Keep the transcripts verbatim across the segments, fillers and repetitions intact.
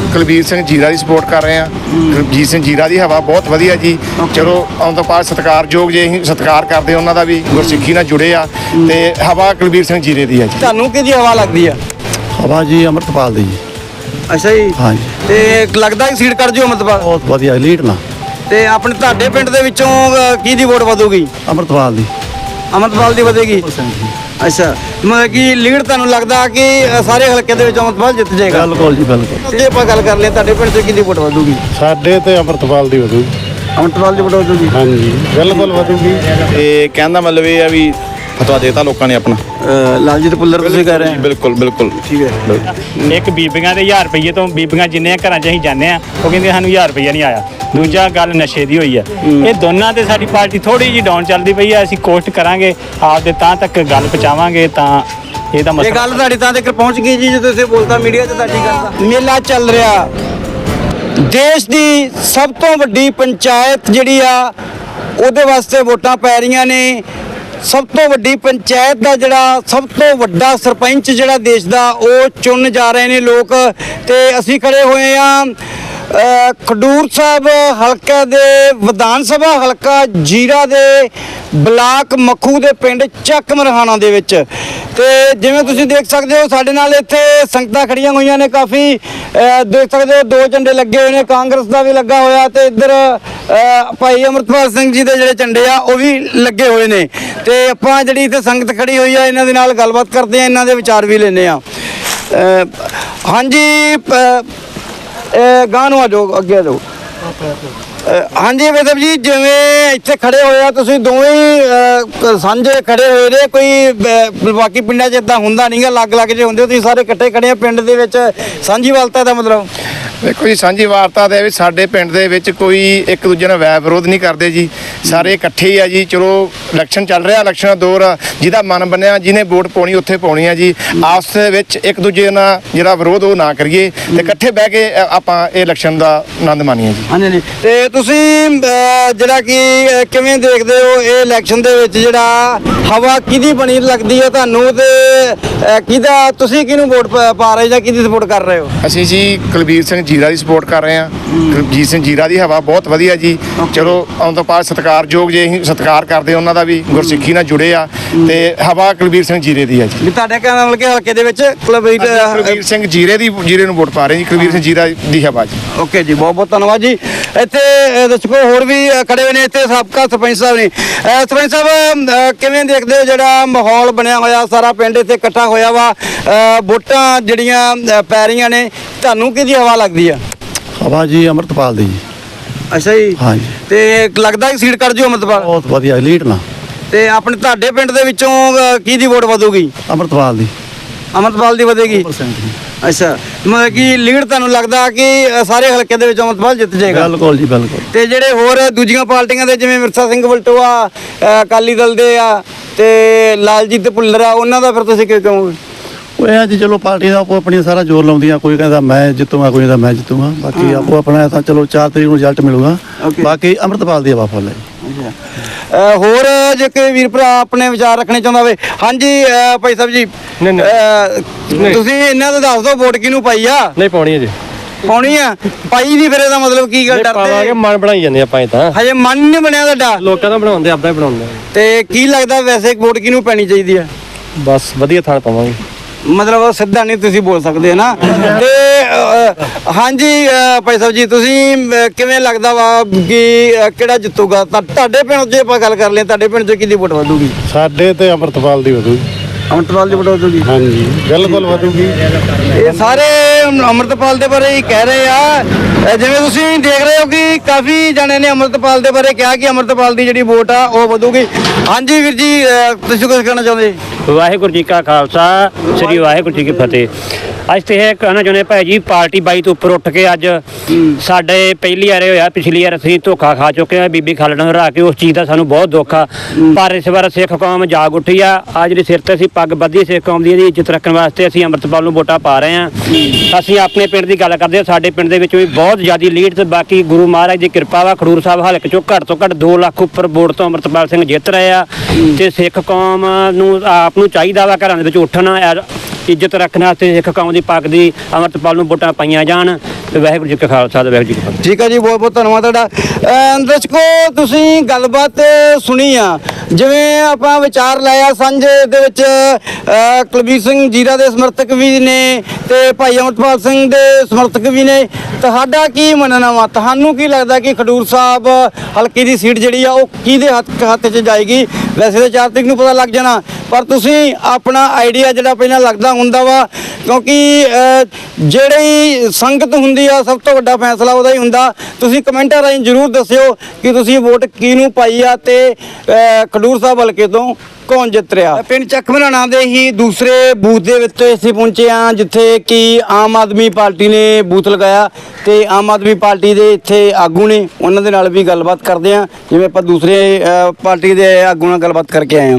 ਕੁਲਬੀਰ ਸਿੰਘ ਜੀਰਾ ਦੀ ਸਪੋਰਟ ਕਰ ਰਹੇ ਹਾਂ। ਕੁਲਜੀਤ ਸਿੰਘ ਜੀਰਾ ਦੀ ਹਵਾ ਬਹੁਤ ਵਧੀਆ ਜੀ। ਚਲੋ ਆਉਣ ਤੋਂ ਬਾਅਦ ਸਤਿਕਾਰਯੋਗ ਜੇ ਅਸੀਂ ਸਤਿਕਾਰ ਕਰਦੇ ਉਹਨਾਂ ਦਾ ਵੀ, ਗੁਰਸਿੱਖੀ ਨਾਲ ਜੁੜੇ ਆ, ਤੇ ਹਵਾ ਕੁਲਬੀਰ ਸਿੰਘ ਜੀਰੇ ਦੀ ਹੈ ਜੀ। ਤੁਹਾਨੂੰ ਕਿਹਦੀ ਹਵਾ ਲੱਗਦੀ ਆ? ਹਵਾ ਜੀ ਅੰਮ੍ਰਿਤਪਾਲ ਦੀ ਜੀ। ਅੱਛਾ ਜੀ। ਹਾਂਜੀ। ਤੇ ਲੱਗਦਾ ਕਿ ਸੀਟ ਕਰ ਜਿਓ ਅੰਮ੍ਰਿਤਪਾਲ? ਬਹੁਤ ਵਧੀਆ ਲੀਡ ਨਾ। ਤੇ ਆਪਣੇ ਤੁਹਾਡੇ ਪਿੰਡ ਦੇ ਵਿੱਚੋਂ ਅ, ਕਿਹਦੀ ਵੋਟ ਵਧੂਗੀ? ਅੰਮ੍ਰਿਤਪਾਲ ਦੀ। ਅੰਮ੍ਰਿਤਪਾਲ ਦੀ ਵਧੇਗੀ। ਅੱਛਾ, ਮਤਲਬ ਕਿ ਲੀਡ ਤੁਹਾਨੂੰ ਲੱਗਦਾ ਕਿ ਅ, ਸਾਰੇ ਹਲਕੇ ਦੇ ਵਿੱਚ ਅੰਮ੍ਰਿਤਪਾਲ ਜਿੱਤ ਜਾਏਗਾ? ਬਿਲਕੁਲ ਜੀ ਬਿਲਕੁਲ। ਜੇ ਆਪਾਂ ਗੱਲ ਕਰ ਲਈਏ ਤੁਹਾਡੇ ਪਿੰਡ 'ਚ ਕਿਹਦੀ ਵੋਟ ਵਧੂਗੀ? ਸਾਡੇ ਤੇ ਅੰਮ੍ਰਿਤਪਾਲ ਦੀ ਵਧੂ। ਅੰਮ੍ਰਿਤਪਾਲ ਦੀ ਵੋਟ ਵਧੂਗੀ। ਹਾਂਜੀ ਬਿਲਕੁਲ ਵਧੂਗੀ। ਤੇ ਕਹਿਣ ਦਾ ਮਤਲਬ ਇਹ ਆ ਵੀ ਫਤਵਾ ਦੇਤਾ ਲੋਕਾਂ ਨੇ ਆਪਣਾ। ਲਾਲਜੀਤ ਪੁੱਲਰ ਤੁਸੀਂ ਕਹਿ ਰਹੇ ਹੋ? ਬਿਲਕੁਲ ਬਿਲਕੁਲ ਠੀਕ ਹੈ। ਇੱਕ ਬੀਬੀਆਂ ਦੇ ਹਜ਼ਾਰ ਰੁਪਈਏ ਤੋਂ ਬੀਬੀਆਂ ਜਿੰਨੇ ਘਰਾਂ 'ਚ ਅਸੀਂ ਜਾਂਦੇ ਆ ਉਹ ਕਹਿੰਦੇ ਸਾਨੂੰ ਹਜ਼ਾਰ ਰੁਪਈਆ ਨਹੀਂ ਆਇਆ। ਦੂਜਾ ਗੱਲ ਨਸ਼ੇ ਦੀ ਹੋਈ ਆ। ਇਹ ਦੋਨਾਂ ਤੇ ਸਾਡੀ ਪਾਰਟੀ ਥੋੜੀ ਜਿਹੀ ਡਾਊਨ ਚੱਲਦੀ ਪਈ ਆ। ਅਸੀਂ ਕੋਸ਼ਿਸ਼ ਕਰਾਂਗੇ ਆਪਦੇ ਤਾਂ ਤੱਕ ਗੱਲ ਪਹੁੰਚਾਵਾਂਗੇ ਤਾਂ ਇਹਦਾ ਇਹ ਮਸਲਾ। ਗੱਲ ਤੁਹਾਡੀ ਤਾਂ ਤੱਕ ਪਹੁੰਚ ਗਈ ਜੀ ਜਦੋਂ ਤੁਸੀਂ ਬੋਲਤਾ ਮੀਡੀਆ 'ਚ ਤੁਹਾਡੀ ਗੱਲ ਦਾ। ਮੇਲਾ ਚੱਲ ਰਿਹਾ, ਦੇਸ਼ ਦੀ ਸਭ ਤੋਂ ਵੱਡੀ ਪੰਚਾਇਤ ਜਿਹੜੀ ਆ ਉਹਦੇ ਵਾਸਤੇ ਵੋਟਾਂ ਪੈ ਰਹੀਆਂ ਨੇ। ਸਭ ਤੋਂ ਵੱਡੀ ਪੰਚਾਇਤ ਦਾ ਜਿਹੜਾ ਸਭ ਤੋਂ ਵੱਡਾ ਸਰਪੰਚ ਜਿਹੜਾ ਦੇਸ਼ ਦਾ ਉਹ ਚੁਣ ਜਾ ਰਹੇ ਨੇ ਲੋਕ। ਤੇ ਅਸੀਂ ਖੜੇ ਹੋਏ ਆ ਖਡੂਰ ਸਾਹਿਬ ਹਲਕਾ ਦੇ ਵਿਧਾਨ ਸਭਾ ਹਲਕਾ ਜੀਰਾ ਦੇ ਬਲਾਕ ਮੱਖੂ ਦੇ ਪਿੰਡ ਚੱਕ ਮਰਹਾਣਾ ਦੇ ਵਿੱਚ। ਤੇ ਜਿਵੇਂ ਤੁਸੀਂ ਦੇਖ ਸਕਦੇ ਹੋ ਸਾਡੇ ਨਾਲ ਇੱਥੇ ਸੰਗਤਾਂ ਖੜੀਆਂ ਹੋਈਆਂ ਨੇ ਕਾਫੀ। ਅ, ਦੇਖ ਸਕਦੇ ਹੋ ਦੋ ਝੰਡੇ ਲੱਗੇ ਹੋਏ ਨੇ, ਕਾਂਗਰਸ ਦਾ ਵੀ ਲੱਗਾ ਹੋਇਆ ਤੇ ਇੱਧਰ ਅ, ਭਾਈ ਅਮਰਤਪਾਲ ਸਿੰਘ ਜੀ ਦੇ ਜਿਹੜੇ ਝੰਡੇ ਆ ਉਹ ਵੀ ਲੱਗੇ ਹੋਏ ਨੇ। ਤੇ ਆਪਾਂ ਜਿਹੜੀ ਇੱਥੇ ਸੰਗਤ ਖੜੀ ਹੋਈ ਆ ਇਹਨਾਂ ਦੇ ਨਾਲ ਗੱਲਬਾਤ ਕਰਦੇ ਆ, ਇਹਨਾਂ ਦੇ ਵਿਚਾਰ ਵੀ ਲੈਂਦੇ ਆ। ਅ, ਹਾਂਜੀ ਪ- ਅ, ਗਾਂਹ ਨੂੰ ਆ ਜਾਓ, ਅੱਗੇ ਆ ਜਾਓ। ਅ, ਹਾਂਜੀ ਵੇਦਵ ਜੀ, ਜਿਵੇਂ ਇੱਥੇ ਖੜੇ ਹੋਏ ਆ ਤੁਸੀਂ ਦੋਵੇਂ ਹੀ, ਅ, ਸਾਂਝੇ ਖੜੇ ਹੋਏ ਨੇ, ਕੋਈ ਬ- ਬਾਕੀ ਪਿੰਡਾਂ 'ਚ ਇਦਾਂ ਹੁੰਦਾ ਨਹੀਂਗਾ, ਅਲੱਗ ਅਲੱਗ ਜੇ ਹੁੰਦੇ, ਤੁਸੀਂ ਸਾਰੇ ਇਕੱਠੇ ਖੜੇ ਆ ਪਿੰਡ ਦੇ ਵਿੱਚ। ਸਾਂਝੀ ਵਾਲਤਾ ਦਾ ਮਤਲਬ ਦੇਖੋ ਜੀ, ਸਾਂਝੀ ਵਾਰਤਾ ਦੇ ਵਿੱਚ ਸਾਡੇ ਪਿੰਡ ਦੇ ਵਿੱਚ ਕੋਈ ਇੱਕ ਦੂਜੇ ਨਾਲ ਵੈਰ ਵਿਰੋਧ ਨਹੀਂ ਕਰਦੇ ਜੀ। ਸਾਰੇ ਇਕੱਠੇ ਹੀ ਆ ਜੀ। ਚਲੋ ਇਲੈਕਸ਼ਨ ਚੱਲ ਰਿਹਾ, ਇਲੈਕਸ਼ਨ ਦਾ ਦੌਰ ਆ, ਜਿਹਦਾ ਮਨ ਬਣਿਆ ਜਿਹਨੇ ਵੋਟ ਪਾਉਣੀ ਉੱਥੇ ਪਾਉਣੀ ਆ ਜੀ। ਆਪਸ ਦੇ ਵਿੱਚ ਇੱਕ ਦੂਜੇ ਨਾਲ ਜਿਹੜਾ ਵਿਰੋਧ ਉਹ ਨਾ ਕਰੀਏ ਤੇ ਇਕੱਠੇ ਬਹਿ ਕੇ ਅ, ਆਪਾਂ ਇਹ ਇਲੈਕਸ਼ਨ ਦਾ ਆਨੰਦ ਮਾਣੀਏ ਜੀ। ਹਾਂਜੀ ਹਾਂਜੀ। ਤੇ ਤੁਸੀਂ ਅ, ਜਿਹੜਾ ਕਿ ਅ, ਕਿਵੇਂ ਦੇਖਦੇ ਹੋ ਇਹ ਇਲੈਕਸ਼ਨ ਦੇ ਵਿੱਚ ਜਿਹੜਾ ਹਵਾ ਕਿਹਦੀ ਬਣੀ ਲੱਗਦੀ ਹੈ ਤੁਹਾਨੂੰ? ਤੇ ਅ, ਕਿਹਦਾ ਤੁਸੀਂ ਕਿਹਨੂੰ ਵੋਟ ਪ- ਪਾ ਰਹੇ ਜਾਂ ਕਿਹਦੀ ਸਪੋਰਟ ਕਰ ਰਹੇ ਹੋ? ਅਸੀਂ ਜੀ ਕੁਲਬੀਰ ਸਿੰਘ ਜੀਰਾ ਦੀ ਸਪੋਰਟ ਕਰ ਰਹੇ ਹਾਂ। ਕੁਲਜੀਤ ਸਿੰਘ ਜੀਰਾ ਦੀ ਹਵਾ ਬਹੁਤ ਵਧੀਆ ਜੀ। ਚਲੋ ਆਉਣ ਤੋਂ ਬਾਅਦ ਸਤਿਕਾਰਯੋਗ ਜੇ ਅਸੀਂ ਸਤਿਕਾਰ ਕਰਦੇ ਉਹਨਾਂ ਦਾ ਵੀ, ਗੁਰਸਿੱਖੀ ਨਾਲ ਜੁੜੇ ਆ, ਤੇ ਹਵਾ ਕੁਲਬੀਰ ਸਿੰਘ ਜੀਰੇ ਦੀ ਹੈ ਜੀ। ਵੀ ਤੁਹਾਡੇ ਕਹਿਣ ਨਾਲ ਕਿ ਹਲਕੇ ਦੇ ਵਿੱਚ ਕੁਲਬੀਰ ਕੁਲਬੀਰ ਸਿੰਘ ਜੀਰੇ ਦੀ ਜੀਰੇ ਨੂੰ ਵੋਟ ਪਾ ਰਹੇ ਜੀ। ਕੁਲਬੀਰ ਸਿੰਘ ਜੀਰਾ ਦੀ ਹਵਾ ਜੀ। ਓਕੇ ਜੀ, ਬਹੁਤ ਬਹੁਤ ਧੰਨਵਾਦ ਜੀ। ਇੱਥੇ ਅ, ਦਰਸ਼ਕੋ ਹੋਰ ਵੀ ਅ, ਖੜੇ ਹੋਏ ਨੇ ਇੱਥੇ ਸਾਬਕਾ ਸਰਪੰਚ ਸਾਹਿਬ ਨੇ। ਅ, ਸਰਪੰਚ ਸਾਹਿਬ ਅ, ਕਿਵੇਂ ਦੇਖਦੇ ਹੋ ਜਿਹੜਾ ਮਾਹੌਲ ਬਣਿਆ ਹੋਇਆ, ਸਾਰਾ ਪਿੰਡ ਇੱਥੇ ਇਕੱਠਾ ਹੋਇਆ ਵਾ, ਅ, ਵੋਟਾਂ ਜਿਹੜੀਆਂ ਅ, ਪੈ ਰਹੀਆਂ ਨੇ, ਤੁਹਾਨੂੰ ਕਿਹਦੀ ਹਵਾ ਲੱਗਦੀ ਆ? ਹਵਾ ਜੀ ਅੰਮ੍ਰਿਤਪਾਲ ਦੀ ਜੀ। ਅੱਛਾ ਜੀ। ਹਾਂਜੀ। ਤੇ ਲੱਗਦਾ ਕਿ ਸੀਟ ਕਰ ਜਿਓ ਅੰਮ੍ਰਿਤਪਾਲ? ਬਹੁਤ ਵਧੀਆ ਲੀਡ ਨਾ। ਤੇ ਆਪਣੇ ਤੁਹਾਡੇ ਪਿੰਡ ਦੇ ਵਿੱਚੋਂ ਅ, ਕਿਹਦੀ ਵੋਟ ਵਧੂਗੀ? ਅੰਮ੍ਰਿਤਪਾਲ ਦੀ। ਅੰਮ੍ਰਿਤਪਾਲ ਦੀ ਵਧੇਗੀ। ਅੱਛਾ, ਮਤਲਬ ਕਿ ਲੀਡ ਤੁਹਾਨੂੰ ਲੱਗਦਾ ਕਿ ਅ, ਸਾਰੇ ਹਲਕੇ ਦੇ ਵਿੱਚ ਅੰਮ੍ਰਿਤਪਾਲ ਜਿੱਤ ਜਾਏਗਾ? ਬਿਲਕੁਲ ਜੀ ਬਿਲਕੁਲ। ਤੇ ਜਿਹੜੇ ਹੋਰ ਦੂਜੀਆਂ ਪਾਰਟੀਆਂ ਦੇ ਜਿਵੇਂ ਮਿਰਸਾ ਸਿੰਘ ਵਲਟੋਆ, ਅ, ਅਕਾਲੀ ਦਲ ਦੇ ਆ ਤੇ ਲਾਲਜੀਤ ਭੁੱਲਰ ਆ, ਉਹਨਾਂ ਦਾ ਫਿਰ ਤੁਸੀਂ ਕੀ ਕਹੋਗੇ? ਉਹ ਇਹ ਆ ਜੀ, ਚਲੋ ਪਾਰਟੀ ਦਾ ਆਪੋ ਆਪਣੀ ਸਾਰਾ ਜ਼ੋਰ ਲਾਉਂਦੀਆਂ। ਕੋਈ ਕਹਿੰਦਾ ਮੈਂ ਜਿੱਤੂਗਾ, ਕੋਈ ਕਹਿੰਦਾ ਮੈਂ ਜਿੱਤੂਗਾ। ਬਾਕੀ ਆਪੋ ਆਪਣਾ ਤਾਂ ਚਲੋ ਚਾਰ ਤਰੀਕ ਨੂੰ ਰਿਜ਼ਲਟ ਮਿਲੂਗਾ। Okay. ਬਾਕੀ ਅੰਮ੍ਰਿਤਪਾਲ ਦੀ ਹਵਾ ਫੁੱਲ ਹੈ। ਅ, ਹੋਰ ਜੇ ਕੋਈ ਵੀਰ ਭਰਾ ਆਪਣੇ ਵਿਚਾਰ ਰੱਖਣੇ ਚਾਹੁੰਦਾ ਹੋਵੇ? ਹਾਂਜੀ ਅ, ਭਾਈ ਸਾਹਿਬ ਜੀ, ਅ, ਤੁਸੀਂ ਇਹਨਾਂ ਦਾ ਦੱਸ ਦਿਓ ਵੋਟ ਕਿਹਨੂੰ ਪਾਈ ਆ? ਨਹੀਂ ਪਾਉਣੀ ਹੈ ਜੀ। ਪਾਉਣੀ ਆ? ਪਾਈ ਨਹੀਂ ਫਿਰ ਇਹਦਾ ਮਤਲਬ ਕੀ ਗੱਲ? ਪਾਵਾਂਗੇ, ਡਰਦੇ ਮਨ ਬਣਾਈ ਜਾਂਦੇ ਆਪਾਂ ਇਹ ਤਾਂ। ਹਜੇ ਮਨ ਨਹੀਂ ਬਣਿਆ ਤੁਹਾਡਾ? ਲੋਕਾਂ ਦਾ ਬਣਾਉਂਦੇ, ਆਪਦਾ ਹੀ ਬਣਾਉਂਦੇ। ਤੇ ਕੀ ਲੱਗਦਾ ਵੈਸੇ ਵੋਟ ਕਿਹਨੂੰ ਪੈਣੀ ਚਾਹੀਦੀ ਆ? ਬਸ ਵਧੀਆ ਥਾਂ ਪਾਵਾਂਗੇ। ਮਤਲਬ ਸਿੱਧਾ ਨਹੀਂ ਤੁਸੀਂ ਬੋਲ ਸਕਦੇ ਨਾ। ਤੇ ਅ, ਹਾਂਜੀ ਅ, ਭਾਈ ਸਾਹਿਬ ਜੀ, ਤੁਸੀਂ ਅ, ਕਿਵੇਂ ਲੱਗਦਾ ਵਾ ਕਿ ਅ, ਕਿਹੜਾ ਜਿੱਤੂਗਾ? ਤਾਂ ਤੁਹਾਡੇ ਪਿੰਡ 'ਚ ਆਪਾਂ ਗੱਲ ਕਰ ਲਈਏ, ਤੁਹਾਡੇ ਪਿੰਡ 'ਚ ਕਿਹਦੀ ਵੋਟ ਵਧੂਗੀ? ਸਾਡੇ ਤੇ ਅੰਮ੍ਰਿਤਪਾਲ ਦੀ ਵਧੂ। ਅੰਮ੍ਰਿਤਪਾਲ ਦੀ ਵੋਟ ਵਧੂਗੀ? ਹਾਂਜੀ ਬਿਲਕੁਲ ਵਧੂਗੀ। ਇਹ ਸਾਰੇ ਅੰਮ੍ਰਿਤਪਾਲ ਦੇ ਬਾਰੇ ਹੀ ਕਹਿ ਰਹੇ ਆ। ਅ, ਜਿਵੇਂ ਤੁਸੀਂ ਦੇਖ ਰਹੇ ਹੋ ਕਿ ਕਾਫੀ ਜਣੇ ਨੇ ਅੰਮ੍ਰਿਤਪਾਲ ਦੇ ਬਾਰੇ ਕਿਹਾ ਕਿ ਅੰਮ੍ਰਿਤਪਾਲ ਦੀ ਜਿਹੜੀ ਵੋਟ ਆ ਉਹ ਵਧੂਗੀ। ਹਾਂਜੀ ਵੀਰ ਜੀ, ਅ, ਤੁਸੀਂ ਕੁਝ ਕਹਿਣਾ ਚਾਹੁੰਦੇ? ਵਾਹਿਗੁਰੂ ਜੀ ਕਾ ਖਾਲਸਾ, ਸ੍ਰੀ ਵਾਹਿਗੁਰੂ ਜੀ ਕੀ ਫਤਿਹ। ਅੱਜ ਤੇ ਇਹ ਕਹਿਣਾ ਚਾਹੁੰਦੇ ਭਾਈ ਜੀ, ਪਾਰਟੀ ਬਾਈ ਤੋਂ ਉੱਪਰ ਉੱਠ ਕੇ ਅੱਜ ਸਾਡੇ ਪਹਿਲੀ ਵਾਰ ਹੋਇਆ, ਪਿਛਲੀ ਵਾਰ ਅਸੀਂ ਧੋਖਾ ਖਾ ਚੁੱਕੇ ਹਾਂ, ਬੀਬੀ ਖਾਲੜਾ ਨੂੰ ਹਰਾ ਕੇ। ਉਸ ਚੀਜ਼ ਦਾ ਸਾਨੂੰ ਬਹੁਤ ਦੁੱਖ ਆ। ਪਰ ਇਸ ਵਾਰ ਸਿੱਖ ਕੌਮ ਜਾਗ ਉੱਠੀ ਆ। ਆ ਜਿਹੜੀ ਸਿਰ ਤੇ ਅਸੀਂ ਪੱਗ ਬੱਧੀ ਸਿੱਖ ਕੌਮ ਦੀ, ਇਹਦੀ ਇੱਜ਼ਤ ਰੱਖਣ ਵਾਸਤੇ ਅਸੀਂ ਅੰਮ੍ਰਿਤਪਾਲ ਨੂੰ ਵੋਟਾਂ ਪਾ ਰਹੇ ਹਾਂ। ਅਸੀਂ ਆਪਣੇ ਪਿੰਡ ਦੀ ਗੱਲ ਕਰਦੇ ਹਾਂ, ਸਾਡੇ ਪਿੰਡ ਦੇ ਵਿੱਚ ਵੀ ਬਹੁਤ ਜ਼ਿਆਦਾ ਲੀਡ ਤੇ ਬਾਕੀ ਗੁਰੂ ਮਹਾਰਾਜ ਦੀ ਕਿਰਪਾ ਵਾ। ਖਡੂਰ ਸਾਹਿਬ ਹਲਕੇ ਚੋਂ ਘੱਟ ਤੋਂ ਘੱਟ ਦੋ ਲੱਖ ਉੱਪਰ ਵੋਟ ਤੋਂ ਅੰਮ੍ਰਿਤਪਾਲ ਸਿੰਘ ਜਿੱਤ ਰਹੇ ਆ। ਤੇ ਸਿੱਖ ਕੌਮ ਨੂੰ ਆਪ ਨੂੰ ਚਾਹੀਦਾ ਵਾ ਘਰਾਂ ਦੇ ਵਿੱਚ ਉੱਠਣਾ, ਇੱਜ਼ਤ ਰੱਖਣ ਵਾਸਤੇ ਸਿੱਖ ਕੌਮ ਦੀ ਪੱਗ ਦੀ ਅੰਮ੍ਰਿਤਪਾਲ ਨੂੰ ਵੋਟਾਂ ਪਾਈਆਂ ਜਾਣ। ਤੇ ਵਾਹਿਗੁਰੂ ਜੀ ਕਾ ਖਾਲਸਾ ਤੇ ਵਾਹਿਗੁਰੂ ਜੀ ਕੀ ਫਤਿਹ। ਠੀਕ ਹੈ ਜੀ, ਬਹੁਤ ਬਹੁਤ ਧੰਨਵਾਦ ਤੁਹਾਡਾ। ਅਹ ਦਰਸ਼ਕੋ, ਤੁਸੀਂ ਗੱਲਬਾਤ ਸੁਣੀ ਆ, ਜਿਵੇਂ ਆਪਾਂ ਵਿਚਾਰ ਲਾਇਆ ਸਾਂਝੇ ਦੇ ਵਿੱਚ ਅਹ ਕੁਲਬੀਰ ਸਿੰਘ ਜੀਰਾ ਦੇ ਸਮਰਥਕ ਵੀ ਨੇ ਤੇ ਭਾਈ ਅਮਰਪਾਲ ਸਿੰਘ ਦੇ ਸਮਰਥਕ ਵੀ ਨੇ। ਤੁਹਾਡਾ ਕੀ ਮੰਨਣਾ ਵਾ? ਤੁਹਾਨੂੰ ਕੀ ਲੱਗਦਾ ਕਿ ਖਡੂਰ ਸਾਹਿਬ ਹਲਕੇ ਦੀ ਸੀਟ ਜਿਹੜੀ ਆ ਉਹ ਕਿਹਦੇ ਹੱਥ ਹੱਥ 'ਚ ਜਾਏਗੀ? ਵੈਸੇ ਤਾਂ ਚਾਰ ਤਰੀਕ ਨੂੰ ਪਤਾ ਲੱਗ ਜਾਣਾ, ਪਰ ਤੁਸੀਂ ਆਪਣਾ ਆਈਡੀਆ ਜਿਹੜਾ ਪਹਿਲਾਂ ਲੱਗਦਾ ਹੁੰਦਾ ਵਾ, ਕਿਉਂਕਿ ਅਹ, ਜਿਹੜੀ ਸੰਗਤ ਹੁੰਦੀ ਆ ਸਭ ਤੋਂ ਵੱਡਾ ਫੈਸਲਾ ਉਹਦਾ ਹੀ ਹੁੰਦਾ। ਤੁਸੀਂ ਕਮੈਂਟਾਂ ਰਾਹੀਂ ਜ਼ਰੂਰ ਦੱਸਿਓ ਕਿ ਤੁਸੀਂ ਵੋਟ ਕਿਹਨੂੰ ਪਾਈ ਆ ਤੇ ਅਹ, ਖਡੂਰ ਸਾਹਿਬ ਹਲਕੇ ਤੋਂ ਕੌਣ ਜਿੱਤ ਰਿਹਾ। ਪਿੰਡ ਚੱਕ ਮਰਾਣਾ ਦੇ ਹੀ ਦੂਸਰੇ ਬੂਥ ਦੇ ਵਿੱਚ ਅਸੀਂ ਪਹੁੰਚੇ ਹਾਂ, ਜਿੱਥੇ ਕਿ ਆਮ ਆਦਮੀ ਪਾਰਟੀ ਨੇ ਬੂਥ ਲਗਾਇਆ ਤੇ ਆਮ ਆਦਮੀ ਪਾਰਟੀ ਦੇ ਇੱਥੇ ਆਗੂ ਨੇ, ਉਹਨਾਂ ਦੇ ਨਾਲ ਵੀ ਗੱਲਬਾਤ ਕਰਦੇ ਹਾਂ, ਜਿਵੇਂ ਆਪਾਂ ਦੂਸਰੇ ਅਹ, ਪਾਰਟੀ ਦੇ ਆਗੂ ਨਾਲ ਗੱਲਬਾਤ ਕਰਕੇ ਆਏ ਹਾਂ।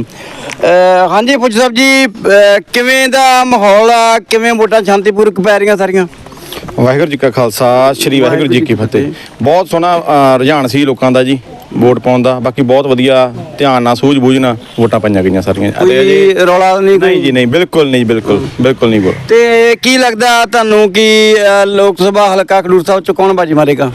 ਅਹ, ਹਾਂਜੀ ਫੌਜੀ ਸਾਹਿਬ ਜੀ, ਅਹ, ਕਿਵੇਂ ਦਾ ਮਾਹੌਲ ਆ? ਕਿਵੇਂ ਵੋਟਾਂ ਸ਼ਾਂਤੀਪੂਰਵਕ ਪੈ ਰਹੀਆਂ ਸਾਰੀਆਂ? ਵਾਹਿਗੁਰੂ ਜੀ ਕਾ ਖਾਲਸਾ, ਸ੍ਰੀ ਵਾਹਿਗੁਰੂ ਜੀ ਕੀ ਫਤਿਹ। ਬਹੁਤ ਸੋਹਣਾ ਅ, ਰੁਝਾਨ ਸੀ ਲੋਕਾਂ ਦਾ ਜੀ ਵੋਟ ਪਾਉਣ ਦਾ। ਬਾਕੀ ਬਹੁਤ ਵਧੀਆ ਧਿਆਨ ਨਾਲ ਸੂਝ-ਬੂਝ ਨਾਲ ਵੋਟਾਂ ਪਾਈਆਂ ਗਈਆਂ ਸਾਰੀਆਂ। ਕੋਈ ਰੌਲਾ ਨਹੀਂ? ਨਹੀਂ ਜੀ ਨਹੀਂ, ਬਿਲਕੁਲ ਨਹੀਂ, ਬਿਲਕੁਲ ਬਿਲਕੁਲ ਨਹੀਂ ਵੋਟ। ਤੇ ਕੀ ਲੱਗਦਾ ਤੁਹਾਨੂੰ ਕਿ ਅਹ, ਲੋਕ ਸਭਾ ਹਲਕਾ ਖਡੂਰ ਸਾਹਿਬ ਚ ਕੌਣ ਬਾਜੀ ਮਾਰੇਗਾ?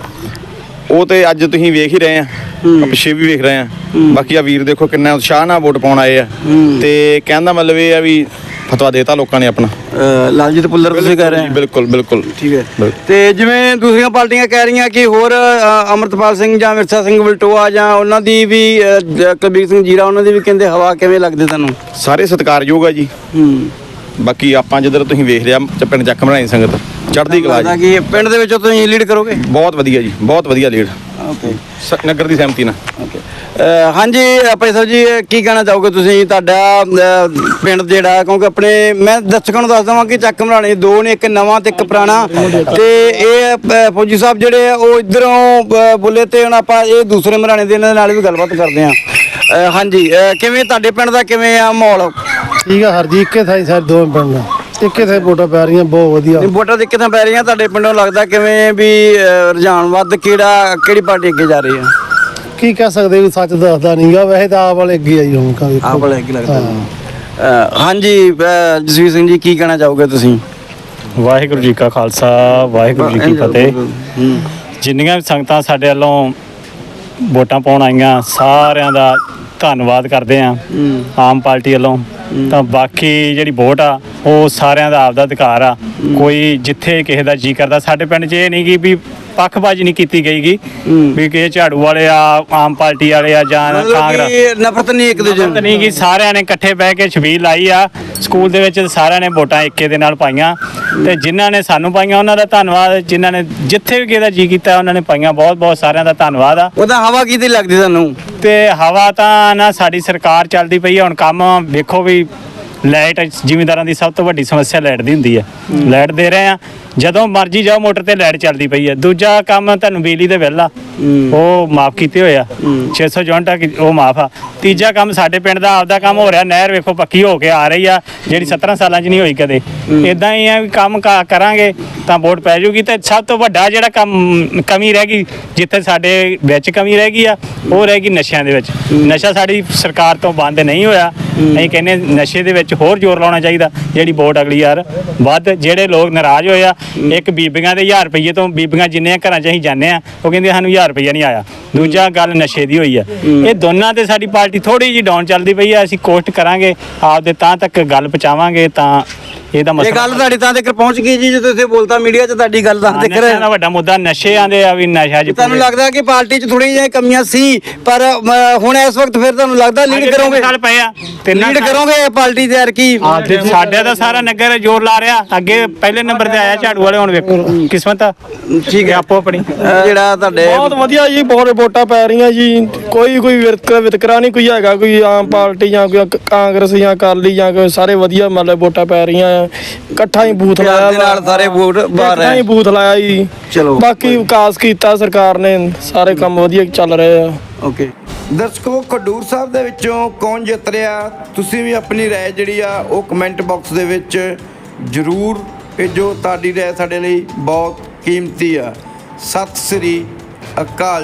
ਉਹ ਤੇ ਅੱਜ ਤੁਸੀਂ ਵੇਖ ਹੀ ਰਹੇ ਆ, ਪਿੱਛੇ ਵੀ ਵੇਖ ਰਹੇ ਆ। ਬਾਕੀ ਆ ਵੀਰ ਦੇਖੋ ਕਿੰਨਾ ਉਤਸ਼ਾਹ ਨਾਲ ਵੋਟ ਪਾਉਣ ਆਏ ਆ, ਤੇ ਕਹਿਣ ਦਾ ਮਤਲਬ ਇਹ ਆ ਵੀ ਫਤਵਾ ਦੇਤਾ ਲੋਕਾਂ ਨੇ ਆਪਣਾ। ਅਹ, ਲਾਲਜੀਤ ਭੁੱਲਰ ਤੁਸੀਂ ਕਹਿ ਰਹੇ ਹੋ? ਬਿਲਕੁਲ ਬਿਲਕੁਲ ਠੀਕ ਹੈ। ਤੇ ਜਿਵੇਂ ਦੂਸਰੀਆਂ ਪਾਰਟੀਆਂ ਕਹਿ ਰਹੀਆਂ ਕਿ ਹੋਰ ਅ, ਅਮਰਤਪਾਲ ਸਿੰਘ ਜਾਂ ਮਿਰਜ਼ਾ ਸਿੰਘ ਵਲਟੋਆ ਜਾਂ ਉਹਨਾਂ ਦੀ ਵੀ ਅ, ਜ- ਕੁਲਬੀਰ ਸਿੰਘ ਜੀਰਾ, ਉਹਨਾਂ ਦੀ ਵੀ ਕਹਿੰਦੇ ਹਵਾ ਕਿਵੇਂ ਲੱਗਦੇ ਤੁਹਾਨੂੰ? ਸਾਰੇ ਸਤਿਕਾਰਯੋਗ ਆ ਜੀ। ਹੂੰ, ਬਾਕੀ ਆਪਾਂ ਜਿੱਧਰ ਤੁਸੀਂ ਵੇਖ ਲਿਆ ਚ- ਪਿੰਡ ਚੱਕ ਬਣਾਈ ਸੰਗਤ ਚੜ੍ਹਦੀ ਕਲਾ ਲੱਗਦਾ ਜੀ। ਕਿ ਪਿੰਡ ਦੇ ਵਿੱਚੋਂ ਤੁਸੀਂ ਲੀਡ ਕਰੋਗੇ? ਬਹੁਤ ਵਧੀਆ ਜੀ, ਬਹੁਤ ਵਧੀਆ ਲੀਡ ਓਕੇ ਸ- ਨਗਰ ਦੀ ਸਹਿਮਤੀ ਨਾਲ। ਓਕੇ। ਹਾਂਜੀ ਭਾਈ ਸਾਹਿਬ ਜੀ, ਕੀ ਕਹਿਣਾ ਚਾਹੋਗੇ ਤੁਸੀਂ? ਤੁਹਾਡਾ ਅ, ਪਿੰਡ ਜਿਹੜਾ, ਕਿਉਂਕਿ ਆਪਣੇ ਮੈਂ ਦਰਸ਼ਕਾਂ ਨੂੰ ਦੱਸ ਦਵਾਂ ਕਿ ਚੱਕ ਮਰਾਣੇ ਦੋ ਨੇ, ਇੱਕ ਨਵਾਂ ਤੇ ਇੱਕ ਪੁਰਾਣਾ, ਤੇ ਇਹ ਅ, ਫੌਜੀ ਸਾਹਿਬ ਜਿਹੜੇ ਆ ਉਹ ਇਧਰੋਂ ਬੋਲੇ ਤੇ ਹੁਣ ਆਪਾਂ ਇਹ ਦੂਸਰੇ ਮਰਾਣੇ ਦੇ ਇਹਨਾਂ ਦੇ ਨਾਲ ਵੀ ਗੱਲਬਾਤ ਕਰਦੇ ਹਾਂ। ਅ, ਹਾਂਜੀ, ਅ, ਕਿਵੇਂ ਤੁਹਾਡੇ ਪਿੰਡ ਦਾ ਕਿਵੇਂ ਆ ਮਾਹੌਲ? ਠੀਕ ਆ ਹਰ ਜੀ, ਇੱਕੇ ਥਾਈ ਸਾਰੇ ਦੋਵੇਂ ਪਿੰਡ ਇੱਕੇ ਥਾਈ ਵੋਟਾਂ ਪੈ ਰਹੀਆਂ, ਬਹੁਤ ਵਧੀਆ। ਨਹੀਂ, ਵੋਟਾਂ ਦੇ ਕਿੱਥੇ ਪੈ ਰਹੀਆਂ ਤੁਹਾਡੇ ਪਿੰਡੋਂ? ਲੱਗਦਾ ਕਿਵੇਂ ਵੀ ਅ, ਰੁਝਾਨ ਵੱਧ ਕਿਹੜਾ ਕਿਹੜੀ ਪਾਰਟੀ ਅੱਗੇ ਜਾ ਰਹੀ ਹੈ? ਕੀ ਕਹਿ ਸਕਦੇ ਵੀ ਸੱਚ ਦੱਸਦਾ ਨਹੀਂਗਾ, ਵੈਸੇ ਤਾਂ ਆਪ ਵਾਲੇ ਅੱਗੇ ਆਈ ਹੁਣ ਕਾ ਆਪ ਵਾਲੇ ਅੱਗੇ ਲੱਗਦਾ। ਅ, ਹਾਂਜੀ ਅ, ਜਸਵੀਰ ਸਿੰਘ ਜੀ, ਕੀ ਕਹਿਣਾ ਚਾਹੋਗੇ ਤੁਸੀਂ? ਵਾਹਿਗੁਰੂ ਜੀ ਕਾ ਖਾਲਸਾ, ਵਾਹਿਗੁਰੂ ਜੀ ਕੀ ਫਤਿਹ। ਹੂੰ, ਜਿੰਨੀਆਂ ਵੀ ਸੰਗਤਾਂ ਸਾਡੇ ਵੱਲੋਂ ਵੋਟਾਂ ਪਾਉਣ ਆਈਆਂ, ਸਾਰਿਆਂ ਦਾ ਧੰਨਵਾਦ ਕਰਦੇ ਹਾਂ ਆਮ ਪਾਰਟੀ ਵੱਲੋਂ। ਤਾਂ ਬਾਕੀ ਜਿਹੜੀ ਵੋਟ ਆ ਉਹ ਸਾਰਿਆਂ ਦਾ ਆਪਦਾ ਅਧਿਕਾਰ ਆ। ਕੋਈ ਜਿੱਥੇ ਕਿਸੇ ਦਾ ਜੀ ਕਰਦਾ, ਸਾਡੇ ਪਿੰਡ 'ਚ ਇਹ ਨਹੀਂ ਕਿ ਵੀ ਪੱਖਬਾਜ਼ੀ ਨਹੀਂ ਕੀਤੀ ਗਈਗੀ ਵੀ ਕਿ ਝਾੜੂ ਵਾਲੇ ਆ, ਆਮ ਪਾਰਟੀ ਵਾਲੇ ਆ ਜਾਂ ਮਤਲਬ ਕਾਂਗਰਸ। ਕਿ ਨਫ਼ਰਤ ਨਹੀਂ ਇੱਕ ਦੂਜੇ ਨਫ਼ਰਤ ਨਹੀਂ ਕਿ ਸਾਰਿਆਂ ਨੇ ਇਕੱਠੇ ਬਹਿ ਕੇ ਛਬੀਲ ਲਾਈ ਆ। ਸਕੂਲ ਦੇ ਵਿੱਚ ਸਾਰਿਆਂ ਨੇ ਵੋਟਾਂ ਇੱਕੇ ਦੇ ਨਾਲ ਪਾਈਆਂ, ਤੇ ਜਿਨ੍ਹਾਂ ਨੇ ਸਾਨੂੰ ਪਾਈਆਂ ਉਹਨਾਂ ਦਾ ਧੰਨਵਾਦ, ਜਿਨ੍ਹਾਂ ਨੇ ਜਿੱਥੇ ਵੀ ਕਿਸੇ ਦਾ ਜੀ ਕੀਤਾ ਉਹਨਾਂ ਨੇ ਪਾਈਆਂ, ਬਹੁਤ ਬਹੁਤ ਸਾਰਿਆਂ ਦਾ ਧੰਨਵਾਦ ਆ। ਉਹਦਾ ਹਵਾ ਕਿਹਦੀ ਲੱਗਦੀ ਤੁਹਾਨੂੰ? ਤੇ ਹਵਾ ਤਾਂ ਨਾ ਸਾਡੀ ਸਰਕਾਰ ਚੱਲਦੀ ਪਈ ਆ। ਹੁਣ ਕੰਮ ਵੇਖੋ ਵੀ ਲਾਈਟ ਜ਼ਿਮੀਂਦਾਰਾਂ ਦੀ ਸਭ ਤੋਂ ਵੱਡੀ ਸਮੱਸਿਆ ਲਾਈਟ ਦੀ ਹੁੰਦੀ ਹੈ। ਲਾਈਟ ਦੇ ਰਹੇ ਆ, ਜਦੋਂ ਮਰਜ਼ੀ ਜਾਓ ਮੋਟਰ ਤੇ ਲਾਈਟ ਚੱਲਦੀ ਪਈ ਹੈ। ਦੂਜਾ ਕੰਮ ਤੁਹਾਨੂੰ ਬਿਜਲੀ ਦੇ ਬਿੱਲ ਆ ਉਹ ਮਾਫ ਕੀਤੇ ਹੋਏ ਆ, ਛੇ ਸੌ ਯੂਨਿਟ ਆ, ਉਹ ਮਾਫ ਆ। ਤੀਜਾ ਕੰਮ ਸਾਡੇ ਪਿੰਡ ਦਾ ਆਪਦਾ ਕੰਮ ਹੋ ਰਿਹਾ, ਨਹਿਰ ਵੇਖੋ ਪੱਕੀ ਹੋ ਕੇ ਆ ਰਹੀ ਆ, ਜਿਹੜੀ ਸੱਤਰਾਂ ਸਾਲਾਂ 'ਚ ਨਹੀਂ ਹੋਈ ਕਦੇ। ਇਦਾਂ ਹੀ ਆ ਵੀ ਕੰਮ ਕਾ- ਕਰਾਂਗੇ ਤਾਂ ਵੋਟ ਪੈ ਜੂਗੀ। ਤੇ ਸਭ ਤੋਂ ਵੱਡਾ ਜਿਹੜਾ ਕੰਮ ਕਮੀ ਰਹਿ ਗਈ, ਜਿੱਥੇ ਸਾਡੇ ਵਿੱਚ ਕਮੀ ਰਹਿ ਗਈ ਆ, ਉਹ ਰਹਿ ਗਈ ਨਸ਼ਿਆਂ ਦੇ ਵਿੱਚ। ਨਸ਼ਾ ਸਾਡੀ ਸਰਕਾਰ ਤੋਂ ਬੰਦ ਨਹੀਂ ਹੋਇਆ। ਅਸੀਂ ਕਹਿੰਦੇ ਨਸ਼ੇ ਦੇ ਵਿੱਚ ਹੋਰ ਜ਼ੋਰ ਲਾਉਣਾ ਚਾਹੀਦਾ। ਜਿਹੜੀ ਵੋਟ ਅਗਲੀ ਯਾਰ ਵੱਧ, ਜਿਹੜੇ ਲੋਕ ਨਾਰਾਜ਼ ਹੋਏ ਆ, ਇੱਕ ਬੀਬੀਆਂ ਦੇ ਹਜ਼ਾਰ ਰੁਪਈਏ ਤੋਂ, ਬੀਬੀਆਂ ਜਿੰਨੇ ਘਰਾਂ 'ਚ ਅਸੀਂ ਜਾਂਦੇ ਆ ਉਹ ਕਹਿੰਦੇ ਸਾਨੂੰ ਹਜ਼ਾਰ ਰੁਪਈਆ ਨਹੀਂ ਆਇਆ। ਦੂਜਾ ਗੱਲ ਨਸ਼ੇ ਦੀ ਹੋਈ ਆ। ਇਹ ਦੋਨਾਂ ਤੇ ਸਾਡੀ ਪਾਰਟੀ ਥੋੜੀ ਜਿਹੀ ਡਾਊਨ ਚੱਲਦੀ ਪਈ ਆ। ਅਸੀਂ ਕੋਸ਼ਿਸ਼ ਕਰਾਂਗੇ ਆਪਦੇ ਤਾਂ ਤੱਕ ਗੱਲ ਪਹੁੰਚਾਵਾਂਗੇ ਤਾਂ ਇਹਦਾ ਇਹ ਮਸਲਾ ਗੱਲ ਤੁਹਾਡੀ ਤਾਂ ਤੱਕ ਪਹੁੰਚ ਗਈ ਜੀ, ਜਦੋਂ ਤੁਸੀਂ ਬੋਲਤਾ ਮੀਡੀਆ 'ਚ ਤੁਹਾਡੀ ਗੱਲ ਤਾਂ ਤੱਕ। ਨਸ਼ਿਆਂ ਦਾ ਵੱਡਾ ਮੁੱਦਾ ਨਸ਼ਿਆਂ ਦੇ ਆ ਵੀ ਨਸ਼ਾ ਜੀ। ਤੁਹਾਨੂੰ ਲੱਗਦਾ ਕਿ ਪਾਰਟੀ 'ਚ ਥੋੜ੍ਹੀਆਂ ਜਿਹੀਆਂ ਕਮੀਆਂ ਸੀ, ਪਰ ਅਮ, ਹੁਣ ਇਸ ਵਕਤ ਫਿਰ ਤੁਹਾਨੂੰ ਲੱਗਦਾ ਲੀਡ ਕਰੋਗੇ? ਸਾਲ ਪਏ ਆ ਤੇ ਲੀਡ ਕਰੋਗੇ ਪਾਰਟੀ ਦੇ ਯਾਰ ਕੀ? ਸਾਡੇ ਦਾ ਸਾਰਾ ਨਗਰ ਜ਼ੋਰ ਲਾ ਰਿਹਾ। ਅੱਗੇ ਪਹਿਲੇ ਨੰਬਰ ਤੇ ਆਇਆ ਝਾੜੂ ਵਾਲੇ, ਹੁਣ ਵੇਖੋ ਕਿਸਮਤ ਆ। ਠੀਕ ਹੈ, ਆਪੋ ਆਪਣੀ ਅਹ, ਜਿਹੜਾ ਤੁਹਾਡੇ ਬਹੁਤ ਵਧੀਆ ਜੀ, ਬਹੁਤ ਵੋਟਾਂ ਪੈ ਰਹੀਆਂ ਜੀ। ਕੋਈ ਕੋਈ ਵਿਤਕਰਾ ਵਿਤਕਰਾ ਨਹੀਂ ਕੋਈ ਹੈਗਾ, ਕੋਈ ਆਮ ਪਾਰਟੀ ਜਾਂ ਕੋਈ ਕਾਂਗਰਸ ਜਾਂ ਅਕਾਲੀ ਜਾਂ ਕੋਈ, ਸਾਰੇ ਵਧੀਆ ਮਤਲਬ ਵੋਟਾਂ ਪੈ ਰਹੀਆਂ ਆ। ਇਕੱਠਾ ਹੀ ਬੂਥ ਪਿਆਰ ਲਾਇਆ ਦੇ ਨਾਲ ਸਾਰੇ ਵੋਟ ਬਾਹਰ ਇਕੱਠਾ ਹੀ ਹੈ। ਬੂਥ ਲਾਇਆ ਜੀ। ਚਲੋ ਬਾਕੀ ਵਿਕਾਸ ਕੀਤਾ ਸਰਕਾਰ ਨੇ, ਸਾਰੇ ਕੰਮ ਵਧੀਆ ਚੱਲ ਰਹੇ ਆ। ਓਕੇ ਦਰਸ਼ਕੋ, ਖਡੂਰ ਸਾਹਿਬ ਦੇ ਵਿੱਚੋਂ ਕੌਣ ਜਿੱਤ ਰਿਹਾ? ਤੁਸੀਂ ਵੀ ਆਪਣੀ ਰਾਏ ਜਿਹੜੀ ਆ ਉਹ ਕਮੈਂਟ ਬਾਕਸ ਦੇ ਵਿੱਚ ਜ਼ਰੂਰ ਭੇਜੋ। ਤੁਹਾਡੀ ਰਾਏ ਸਾਡੇ ਲਈ ਬਹੁਤ ਕੀਮਤੀ ਆ। ਸਤਿ ਸ੍ਰੀ ਅਕਾਲ।